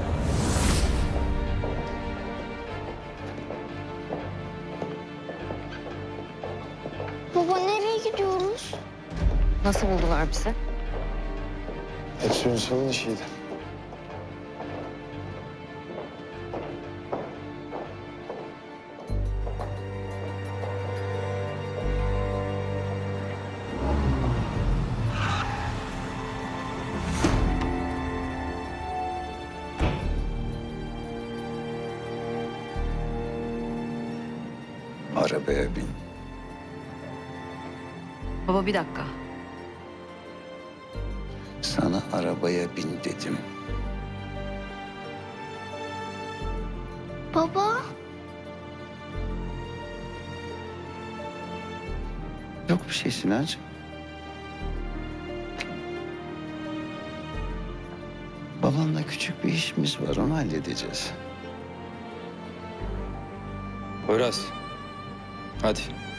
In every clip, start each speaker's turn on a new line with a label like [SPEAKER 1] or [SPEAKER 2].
[SPEAKER 1] Baba nereye gidiyoruz?
[SPEAKER 2] Nasıl buldular bizi?
[SPEAKER 3] Hepsi Ünsal'ın işiydi.
[SPEAKER 4] Arabaya bin.
[SPEAKER 2] Baba bir dakika.
[SPEAKER 4] Sana arabaya bin dedim.
[SPEAKER 1] Baba.
[SPEAKER 4] Yok bir şey Sinancığım. Babanla küçük bir işimiz var, onu halledeceğiz.
[SPEAKER 5] Poyraz. Hadi.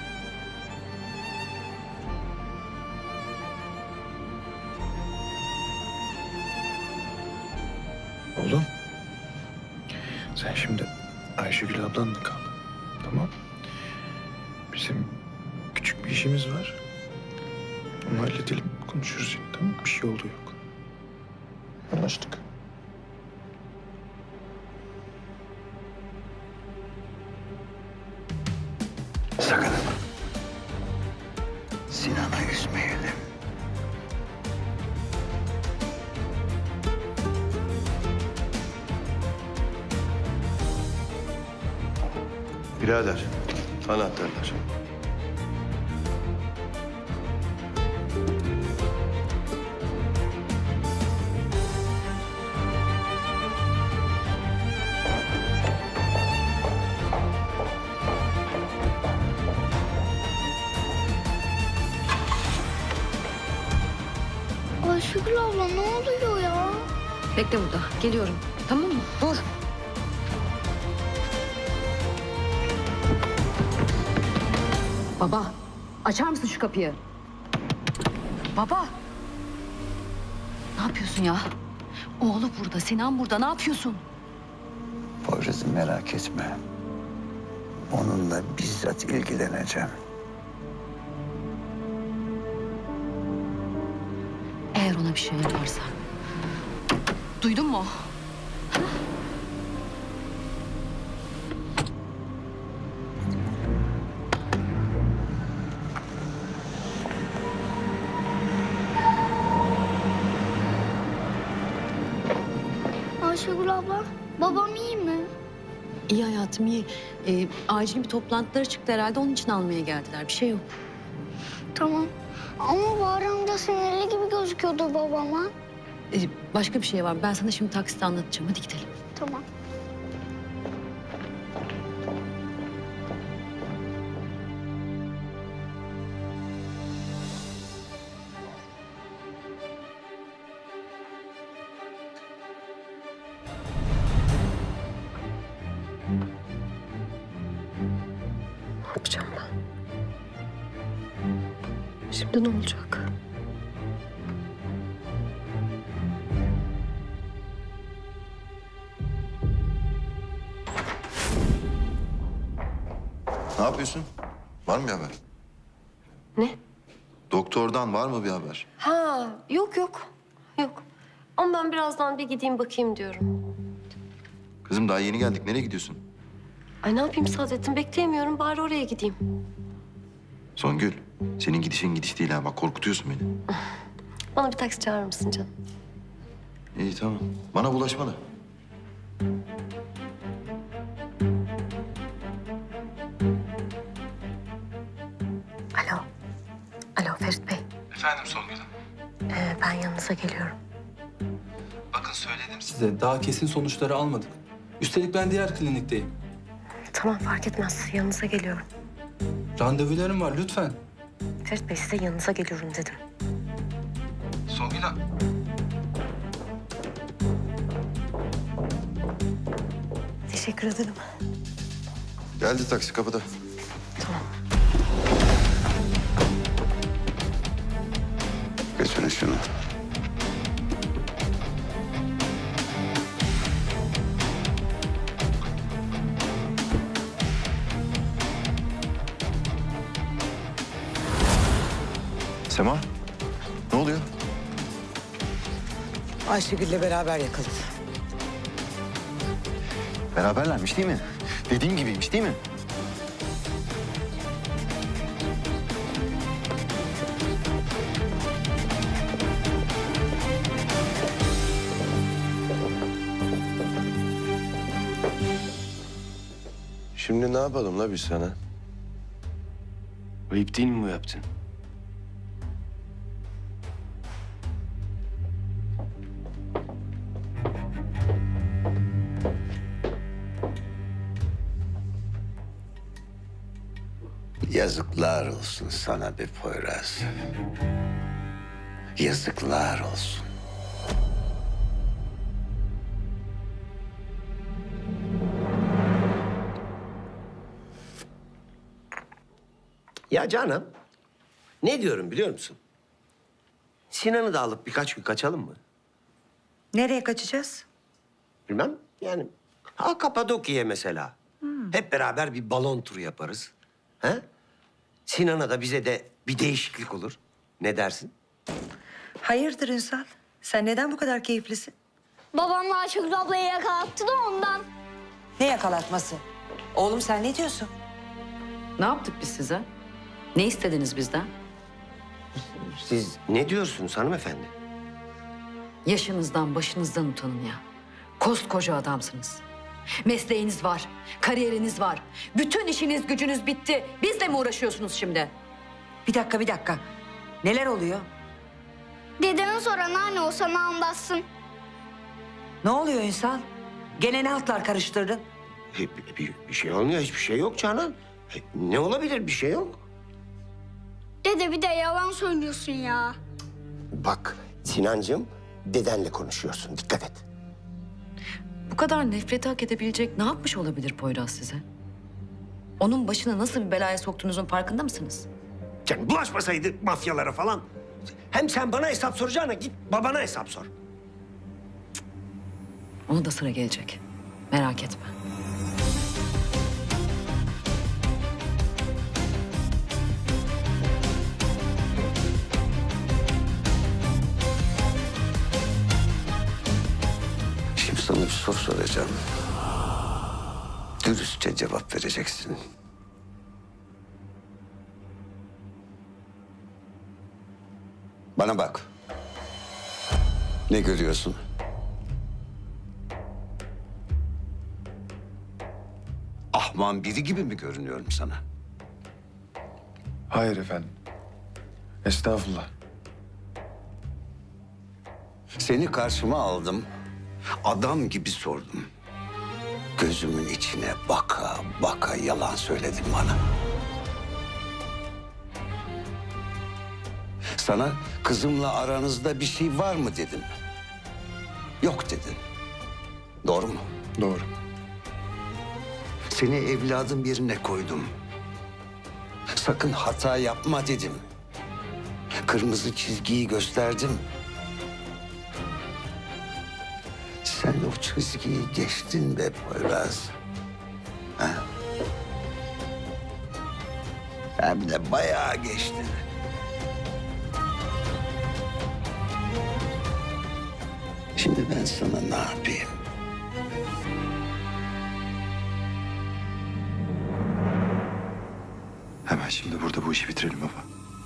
[SPEAKER 3] Oğlum. Sen şimdi Ayşegül ablanla kal. Tamam. Bizim küçük bir işimiz var. Onu halledelim. Konuşuruz yine, tamam mı? Bir şey oldu yok. Anlaştık.
[SPEAKER 4] Sakın ama. Sinan'ı üzmeyelim.
[SPEAKER 6] Birader, anahtarlar.
[SPEAKER 1] Ayşegül abla ne oluyor ya?
[SPEAKER 2] Bekle burada. Geliyorum. Tamam mı? Dur. Baba, açar mısın şu kapıyı? Baba. Ne yapıyorsun ya? Oğlu burada, Sinan burada. Ne yapıyorsun?
[SPEAKER 4] Poyraz'ı merak etme. Onunla bizzat ilgileneceğim.
[SPEAKER 2] Eğer ona bir şey yaparsan. Duydun mu?
[SPEAKER 1] Ayşegül abla babam iyi mi?
[SPEAKER 2] İyi hayatım iyi. Acil bir toplantıları çıktı herhalde. Onun için almaya geldiler. Bir şey yok.
[SPEAKER 1] Tamam. Ama Bahar amca sinirli gibi gözüküyordu babama.
[SPEAKER 2] Başka bir şey var. Ben sana şimdi takside anlatacağım. Hadi gidelim.
[SPEAKER 1] Tamam.
[SPEAKER 7] Ne yapacağım ben? Şimdi ne olacak?
[SPEAKER 6] Ne yapıyorsun? Var mı bir haber?
[SPEAKER 7] Ne?
[SPEAKER 6] Doktordan var mı bir haber?
[SPEAKER 7] Ha, yok. Yok. Ama ben birazdan bir gideyim bakayım diyorum.
[SPEAKER 6] Kızım daha yeni geldik. Nereye gidiyorsun?
[SPEAKER 7] Ay ne yapayım Saadettin? Bekleyemiyorum. Bari oraya gideyim.
[SPEAKER 6] Songül, senin gidişin gidiş değil ha. Bak korkutuyorsun beni.
[SPEAKER 7] Bana bir taksi çağırır mısın canım?
[SPEAKER 6] İyi tamam. Bana bulaşma da.
[SPEAKER 7] Alo. Alo Ferit Bey.
[SPEAKER 5] Efendim Songül Hanım.
[SPEAKER 7] Ben yanınıza geliyorum.
[SPEAKER 5] Bakın söyledim size. Daha kesin sonuçları almadık. Üstelik ben diğer klinikteyim.
[SPEAKER 7] Tamam fark etmez. Yanınıza geliyorum.
[SPEAKER 5] Randevularım var lütfen.
[SPEAKER 7] Ferit Bey size yanınıza geliyorum dedim.
[SPEAKER 5] Songül Hanım.
[SPEAKER 7] Teşekkür ederim.
[SPEAKER 6] Geldi taksi kapıda.
[SPEAKER 7] Tamam.
[SPEAKER 4] Götürün şunu.
[SPEAKER 6] Sema, ne oluyor?
[SPEAKER 8] Ayşegül'le beraber yakaladı.
[SPEAKER 6] Beraberlermiş değil mi? Dediğim gibiymiş değil mi?
[SPEAKER 9] Şimdi ne yapalım la biz sana? Ayıp değil mi bu yaptın?
[SPEAKER 4] Yazıklar olsun sana be Poyraz. Yazıklar olsun.
[SPEAKER 9] Ya canım, ne diyorum biliyor musun? Sinan'ı da alıp birkaç gün kaçalım mı?
[SPEAKER 8] Nereye kaçacağız?
[SPEAKER 9] Bilmem yani. Kapadokya'ya mesela. Hep beraber bir balon turu yaparız. He? Sinan'a da bize de bir değişiklik olur. Ne dersin?
[SPEAKER 8] Hayırdır Ünsal? Sen neden bu kadar keyiflisin?
[SPEAKER 1] Babamla Ayşegül ablayı yakalattı da ondan.
[SPEAKER 8] Ne yakalatması? Oğlum sen ne diyorsun?
[SPEAKER 2] Ne yaptık biz size? Ne istediniz bizden?
[SPEAKER 9] Siz ne diyorsunuz hanımefendi?
[SPEAKER 2] Yaşınızdan, başınızdan utanın ya. Koskoca adamsınız. Mesleğiniz var, kariyeriniz var. Bütün işiniz, gücünüz bitti. Bizle mi uğraşıyorsunuz şimdi?
[SPEAKER 8] Bir dakika. Neler oluyor?
[SPEAKER 1] Dedeme sor anneanne o sana anlatsın.
[SPEAKER 8] Ne oluyor Ünsal? Gene ne hatlar karıştırdın?
[SPEAKER 9] Bir şey olmuyor, hiçbir şey yok Canan. Ne olabilir, bir şey yok.
[SPEAKER 1] Dede bir de yalan söylüyorsun ya.
[SPEAKER 9] Bak Sinancığım, dedenle konuşuyorsun, dikkat et.
[SPEAKER 2] Bu kadar nefreti hak edebilecek ne yapmış olabilir Poyraz size? Onun başına nasıl bir belaya soktuğunuzun farkında mısınız?
[SPEAKER 9] Canım bulaşmasaydı mafyalara falan. Hem sen bana hesap soracağına git babana hesap sor.
[SPEAKER 2] Ona da sıra gelecek. Merak etme.
[SPEAKER 4] Şimdi sana bir soru soracağım. Dürüstçe cevap vereceksin. Bana bak. Ne görüyorsun? Ahman biri gibi mi görünüyorum sana?
[SPEAKER 3] Hayır efendim. Estağfurullah.
[SPEAKER 4] Seni karşıma aldım. Adam gibi sordum. Gözümün içine baka baka yalan söyledin bana. Sana kızımla aranızda bir şey var mı dedim. Yok dedin. Doğru mu?
[SPEAKER 3] Doğru.
[SPEAKER 4] Seni evladım yerine koydum. Sakın hata yapma dedim. Kırmızı çizgiyi gösterdim. Sen o çizgiyi geçtin be Poyraz. Ha? Hem de bayağı geçtin. Şimdi ben sana ne yapayım?
[SPEAKER 6] Hemen şimdi burada bu işi bitirelim baba.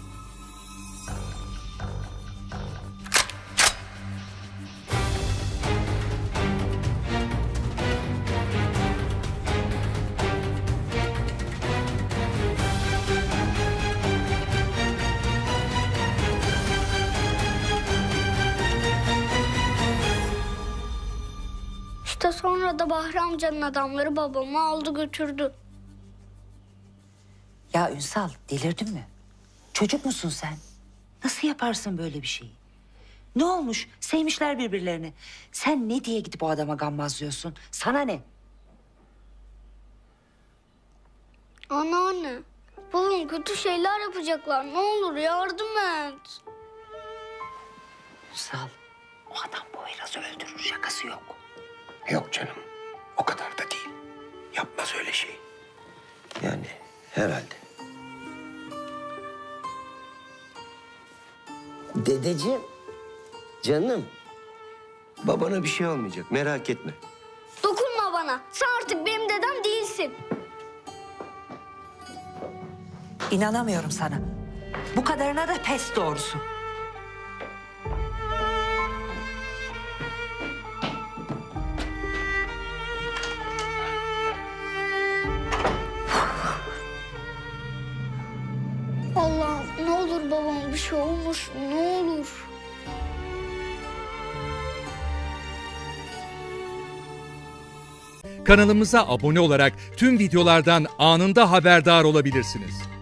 [SPEAKER 1] İşte sonra da Bahri amcanın adamları babamı aldı götürdü.
[SPEAKER 8] Ya Ünsal delirdin mi? Çocuk musun sen? Nasıl yaparsın böyle bir şeyi? Ne olmuş? Sevmişler birbirlerini. Sen ne diye gidip o adama gammazlıyorsun? Sana ne?
[SPEAKER 1] Anneanne, babam kötü şeyler yapacaklar. Ne olur yardım et.
[SPEAKER 8] Ünsal, o adam Poyraz'ı öldürür. Şakası yok.
[SPEAKER 9] Yok canım, o kadar da değil. Yapmaz öyle şey. Yani herhalde. Dedeciğim, canım. Babana bir şey olmayacak, merak etme.
[SPEAKER 1] Dokunma bana. Sen artık benim dedem değilsin.
[SPEAKER 8] İnanamıyorum sana. Bu kadarına da pes doğrusu.
[SPEAKER 1] Allah'ım ne olur babama bir şey olmasın, ne olur.
[SPEAKER 10] Kanalımıza abone olarak tüm videolardan anında haberdar olabilirsiniz.